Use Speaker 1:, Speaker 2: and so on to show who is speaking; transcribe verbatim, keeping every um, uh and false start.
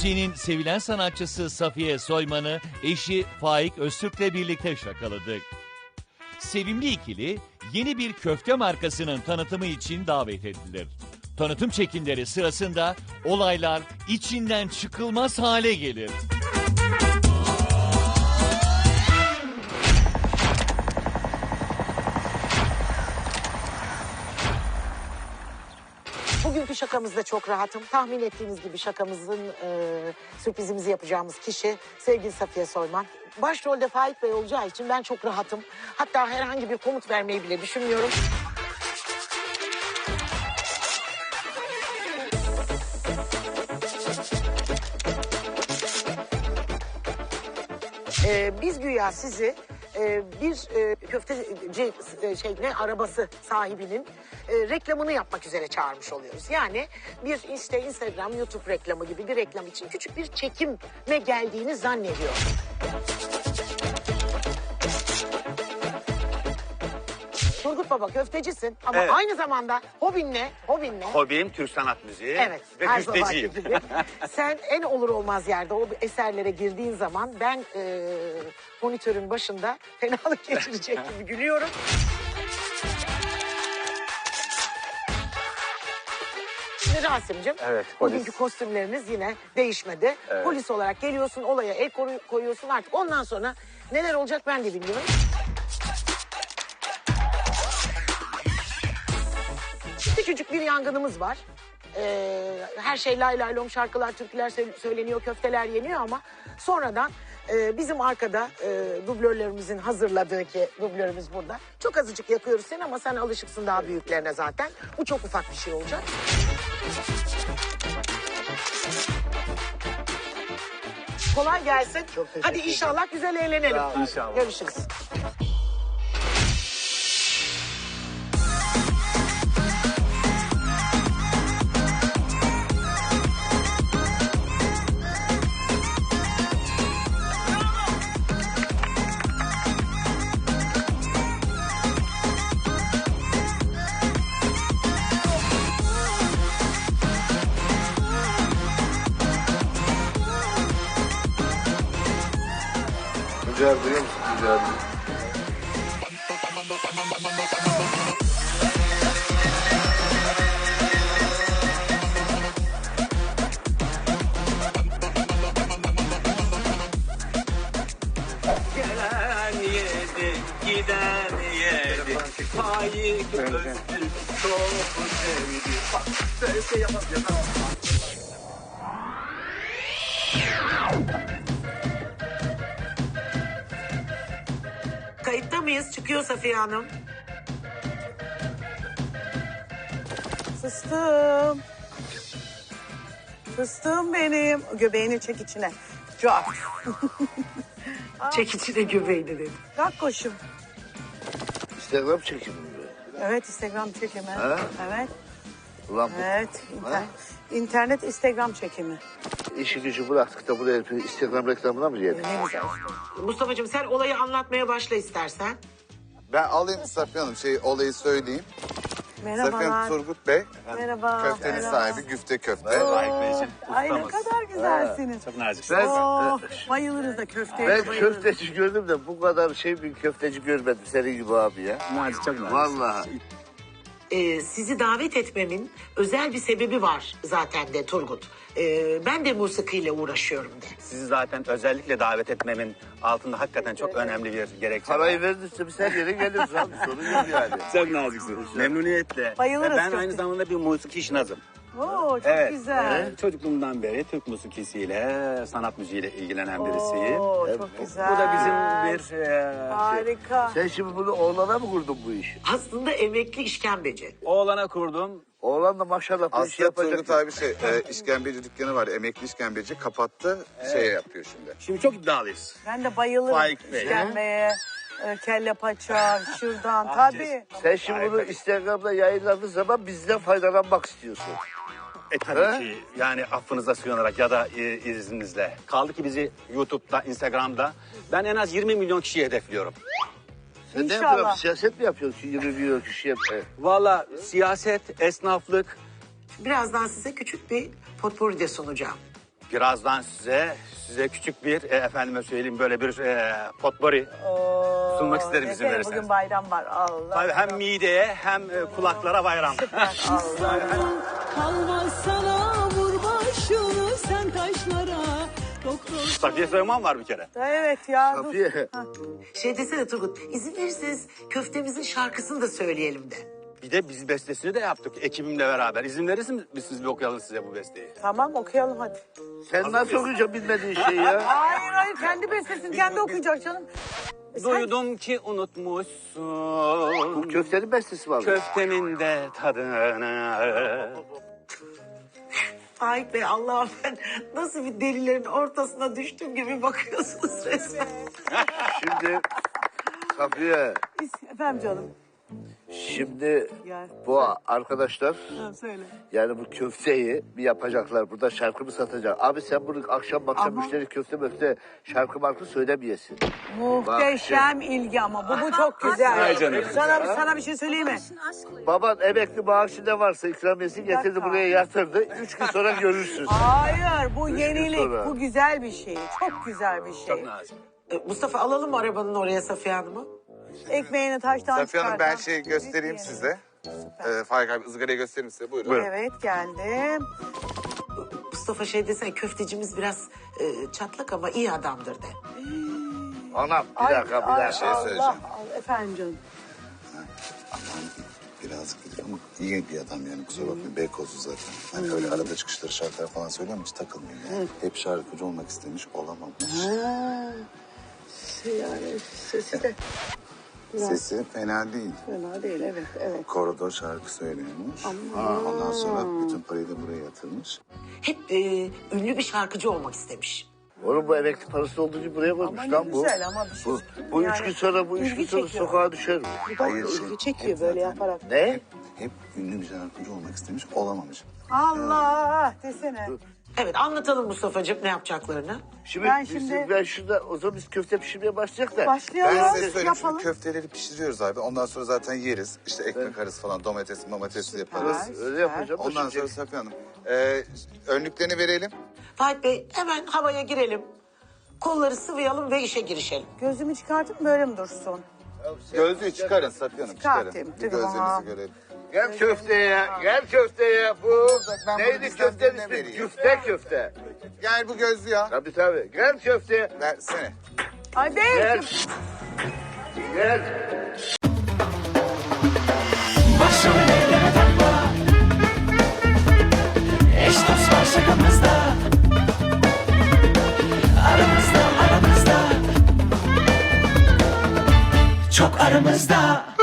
Speaker 1: Türkiye'nin sevilen sanatçısı Safiye Soyman'ı eşi Faik Öztürk'le birlikte şakaladık. Sevimli ikili yeni bir köfte markasının tanıtımı için davet edilir. Tanıtım çekimleri sırasında olaylar içinden çıkılmaz hale gelir.
Speaker 2: Bugünkü şakamızda çok rahatım. Tahmin ettiğiniz gibi şakamızın e, sürprizimizi yapacağımız kişi sevgili Safiye Soyman. Başrolde Faik Bey olacağı için ben çok rahatım. Hatta herhangi bir komut vermeyi bile düşünmüyorum. Ee, biz güya sizi e, bir e, köfteci e, şey ne arabası sahibinin e, reklamını yapmak üzere çağırmış oluyoruz. Yani bir işte Instagram, YouTube reklamı gibi bir reklam için küçük bir çekime geldiğini zannediyorum. Turgut Baba köftecisin ama
Speaker 3: Evet.
Speaker 2: aynı zamanda hobin ne? Hobin ne?
Speaker 3: Hobim Türk sanat müziği
Speaker 2: Evet,
Speaker 3: ve
Speaker 2: her zamanki
Speaker 3: güfteciyim.
Speaker 2: gibi. Sen en olur olmaz yerde o eserlere girdiğin zaman ben e, monitörün başında fenalık geçirecek gibi gülüyorum. Şimdi Rasim'cim,
Speaker 3: Evet, polis.
Speaker 2: bugünkü kostümleriniz yine değişmedi.
Speaker 3: Evet.
Speaker 2: Polis olarak geliyorsun, olaya el koru- koyuyorsun artık. Ondan sonra neler olacak ben de bilmiyorum. Küçücük bir yangınımız var. Ee, her şey lay lay lom, şarkılar, türküler sö- söyleniyor, köfteler yeniyor ama sonradan e, bizim arkada e, dublörlerimizin hazırladığı ki dublörümüz burada. Çok azıcık yakıyoruz seni ama sen alışıksın daha büyüklerine zaten. Bu çok ufak bir şey olacak. Kolay gelsin. Hadi inşallah güzel eğlenelim.
Speaker 3: İnşallah.
Speaker 2: Görüşürüz.
Speaker 4: Güzel duyuyor musun? Güzel.
Speaker 3: Gelen yedi, giden yedi. Faik Öztürk çok sevdi. Bak böyle şey yapamıyorum.
Speaker 2: Kayıtta mıyız? Çıkıyor Safiye Hanım.
Speaker 5: Fıstığım. Fıstığım benim. Göbeğini çek içine. Çok.
Speaker 2: Çek içine göbeğini dedi.
Speaker 5: Kalk koşum.
Speaker 4: Instagram çekimi mi?
Speaker 5: Evet, Instagram çekimi.
Speaker 4: Ha?
Speaker 5: Evet.
Speaker 4: Ulan bu
Speaker 5: Evet. internet, internet Instagram çekimi.
Speaker 4: işi gücü bıraktık da buraya bir Instagram reklamına mı geldik?
Speaker 5: Ne güzel işte.
Speaker 2: Mustafa'cığım sen olayı anlatmaya başla istersen.
Speaker 6: Ben alayım Safiye Hanım şey olayı söyleyeyim. Safiye Hanım
Speaker 5: Merhabalar.
Speaker 6: Turgut Bey.
Speaker 5: Merhaba.
Speaker 6: Köftenin
Speaker 5: merhaba.
Speaker 6: sahibi Güfte Köfte.
Speaker 3: Faik Bey için
Speaker 5: Ay ne
Speaker 3: ustamız.
Speaker 5: kadar güzelsiniz.
Speaker 3: Çok naziksiniz.
Speaker 4: Ben,
Speaker 5: Oh, bayılırız da köfteye.
Speaker 4: ben
Speaker 5: bayılırız.
Speaker 4: köfteci gördüm de bu kadar şey bir köfteci görmedim senin gibi abi ya.
Speaker 3: Nazik, çok nazik.
Speaker 4: Vallahi.
Speaker 2: Ee, sizi davet etmemin özel bir sebebi var zaten de Turgut. Ee, ben de musikiyle uğraşıyorum de.
Speaker 3: Sizi zaten özellikle davet etmemin altında hakikaten çok önemli bir gerekçe var.
Speaker 4: Parayı verdiyse biz her yere geliriz abi sorun yok yani.
Speaker 3: Çok naziksiniz. Memnuniyetle.
Speaker 5: Bayılırız
Speaker 3: Ve ben
Speaker 5: köfteye.
Speaker 3: aynı zamanda bir musiki işnazım.
Speaker 5: Oo, çok
Speaker 3: Evet.
Speaker 5: güzel.
Speaker 3: Evet. Çocukluğumdan beri Türk musikisiyle, sanat müziğiyle ilgilenen birisiyim.
Speaker 5: Oo,
Speaker 4: Evet,
Speaker 5: çok
Speaker 4: bu-
Speaker 5: güzel.
Speaker 3: Bu da bizim bir e,
Speaker 5: Harika.
Speaker 4: Sen şimdi bunu oğlana mı kurdun bu işi?
Speaker 2: Aslında emekli işkembeci.
Speaker 3: oğlana kurdum.
Speaker 4: Oğlan da maşallah bu işi
Speaker 6: Aslında
Speaker 4: yapacak.
Speaker 6: Turgut abi şey e, işkembeci dükkanı var. Emekli işkembeci kapattı. Şey yapıyor şimdi.
Speaker 3: Şimdi çok iddialıyız.
Speaker 5: Ben de bayılırım
Speaker 3: Faik Bey.
Speaker 5: işkembeye, e, kelle paça, şırdan. Tabii.
Speaker 4: Sen şimdi bunu Instagram'da yayınladığın zaman bizden faydalanmak istiyorsun.
Speaker 3: E tabii
Speaker 4: Ha?
Speaker 3: ki yani affınıza sığınarak ya da e, izninizle. Kaldı ki bizi YouTube'da, Instagram'da ben en az yirmi milyon kişiyi hedefliyorum.
Speaker 4: Sen ne
Speaker 5: İnşallah.
Speaker 4: yapıyorsun? Siyaset mi yapıyorsun? yirmi milyon kişi yap. Evet.
Speaker 3: Valla siyaset, esnaflık.
Speaker 2: Birazdan size küçük bir potpourri de sunacağım.
Speaker 3: Birazdan size size küçük bir e, efendime söyleyeyim böyle bir e, potpourri
Speaker 5: Oo,
Speaker 3: sunmak isterim izin
Speaker 5: nefes,
Speaker 3: verirseniz.
Speaker 5: Bugün bayram var. Allah.
Speaker 3: Tabii hem mideye hem e, kulaklara bayram.
Speaker 5: Allah.
Speaker 7: Kalmaz sana vur başını sen taşlara. Doktor
Speaker 3: Safiye Soyman var bir kere.
Speaker 5: Evet ya. dur.
Speaker 4: Safiye.
Speaker 2: Şey desene Turgut, izin verirseniz köftemizin şarkısını da söyleyelim de.
Speaker 3: Bir de biz bestesini de yaptık ekibimle beraber. İzin verirsiniz siz bir okuyalım size bu besteyi.
Speaker 5: Tamam okuyalım hadi.
Speaker 4: Sen nasıl okuyacaksın bilmediğin şeyi ya?
Speaker 5: Hayır hayır kendi bestesini kendi okuyacak canım. E sen-
Speaker 3: Duydum ki unutmuşsun
Speaker 4: Bu köftenin bestesi var.
Speaker 3: köftemin de tadını.
Speaker 2: Faik Bey Allah'ım ben nasıl bir delilerin ortasına düştüm gibi bakıyorsunuz resmen.
Speaker 4: Şimdi Safiye,
Speaker 5: Efendim canım.
Speaker 4: şimdi
Speaker 5: Gel.
Speaker 4: bu arkadaşlar
Speaker 5: Ha, söyle.
Speaker 4: yani bu köfteyi bir yapacaklar. Burada şarkı mı satacak? Abi sen bunu akşam akşam
Speaker 5: Ama-
Speaker 4: müşteri köfte möfte şarkı markı söylemeyesin.
Speaker 5: Muhteşem ilgi ama bu bu çok güzel.
Speaker 3: Ay canım.
Speaker 5: Sana, sana bir şey söyleyeyim mi?
Speaker 4: Baban emekli maaşı ne varsa ikramiyesi getirdi
Speaker 5: dakika.
Speaker 4: buraya yatırdı. Üç gün sonra görürsün.
Speaker 5: Hayır bu
Speaker 4: Üç gün
Speaker 5: yenilik.
Speaker 4: sonra.
Speaker 5: Bu güzel bir şey. Çok güzel bir şey.
Speaker 3: Çok nazik.
Speaker 2: E, Mustafa alalım mı arabanın oraya Safiye Hanım'ı?
Speaker 5: Ekmeğini taştan
Speaker 6: Safiye Hanım ben
Speaker 5: çıkartan.
Speaker 6: şey göstereyim
Speaker 5: Büyük
Speaker 6: size. Ee, Faik abi ızgarayı göstereyim size. Buyurun.
Speaker 5: yeri. Evet geldim.
Speaker 2: Mustafa şey desene köftecimiz biraz e, çatlak ama iyi adamdır de.
Speaker 4: Anam bir dakika bir dakika.
Speaker 6: şey söyleyeceğim.
Speaker 5: Allah, efendim canım.
Speaker 6: Birazcık dedik ama iyi bir adam yani kusura bakmayın. Beykozlu zaten. Hani öyle arada çıkışları şarkılar falan söylüyor ama hiç takılmıyor yani. Hep şarkıcı olmak istemiş olamamış.
Speaker 5: Yani sesi de
Speaker 6: Sesi fena değil.
Speaker 5: fena değil evet evet.
Speaker 6: Koridor şarkı söylüyormuş. Ondan sonra bütün parayı da buraya yatırmış.
Speaker 2: Hep e, ünlü bir şarkıcı olmak istemiş.
Speaker 4: Oğlum bu emekli parası olduğu için buraya koymuş
Speaker 5: Ama ne
Speaker 4: lan bu.
Speaker 5: güzel ama bir şey.
Speaker 4: Bu, bu üç
Speaker 5: Yani
Speaker 4: gün sonra bu üç
Speaker 5: ilgi
Speaker 4: gün sonra
Speaker 5: çekiyor.
Speaker 4: sokağa düşer mi?
Speaker 5: Bu da
Speaker 6: Hayır, şey,
Speaker 5: ilgi çekiyor
Speaker 6: hep
Speaker 5: böyle
Speaker 6: zaten-
Speaker 5: yaparak.
Speaker 4: Ne?
Speaker 6: Hep ünlü bir şarkıcı olmak istemiş olamamış.
Speaker 5: Allah desene.
Speaker 2: Evet anlatalım Mustafa'cığım ne yapacaklarını.
Speaker 4: Şimdi,
Speaker 5: Ben
Speaker 4: biz-
Speaker 5: şimdi-
Speaker 4: ben şurada o zaman biz köfte pişirmeye başlayacak da.
Speaker 5: Başlayalım.
Speaker 6: Ben size söyleyeyim
Speaker 5: yapalım.
Speaker 6: şimdi köfteleri pişiriyoruz abi. Ondan sonra zaten yeriz. İşte ekmek arası falan domates domates yaparız.
Speaker 5: Süper.
Speaker 4: Öyle yapacağım.
Speaker 6: Ondan
Speaker 4: Şimdi-
Speaker 6: sonra Safiye Hanım e, önlüklerini verelim.
Speaker 2: Faik Bey hemen havaya girelim. Kolları sıvayalım ve işe girişelim.
Speaker 5: Gözümü çıkartıp böyle mi dursun?
Speaker 6: Gözlüğü çıkarın Safiye Hanım çıkarın.
Speaker 5: Çıkartayım,
Speaker 6: Bir
Speaker 5: tamam.
Speaker 6: gözlerinizi görelim.
Speaker 4: Gel köfteye, gel köfteye. Bu
Speaker 6: Ben bunu
Speaker 4: neydi
Speaker 6: bizden
Speaker 4: köftenin
Speaker 6: birine
Speaker 4: ismi?
Speaker 6: vereyim.
Speaker 4: Güfte köfte.
Speaker 6: Gel bu gözlüğü ya.
Speaker 4: Tabii tabii. Gel köfteye.
Speaker 6: Versene.
Speaker 5: Hadi.
Speaker 4: Gel. Gel.
Speaker 8: Başımı elleme takma. Eş dost var şakamızda. Aramızda aramızda. Çok aramızda.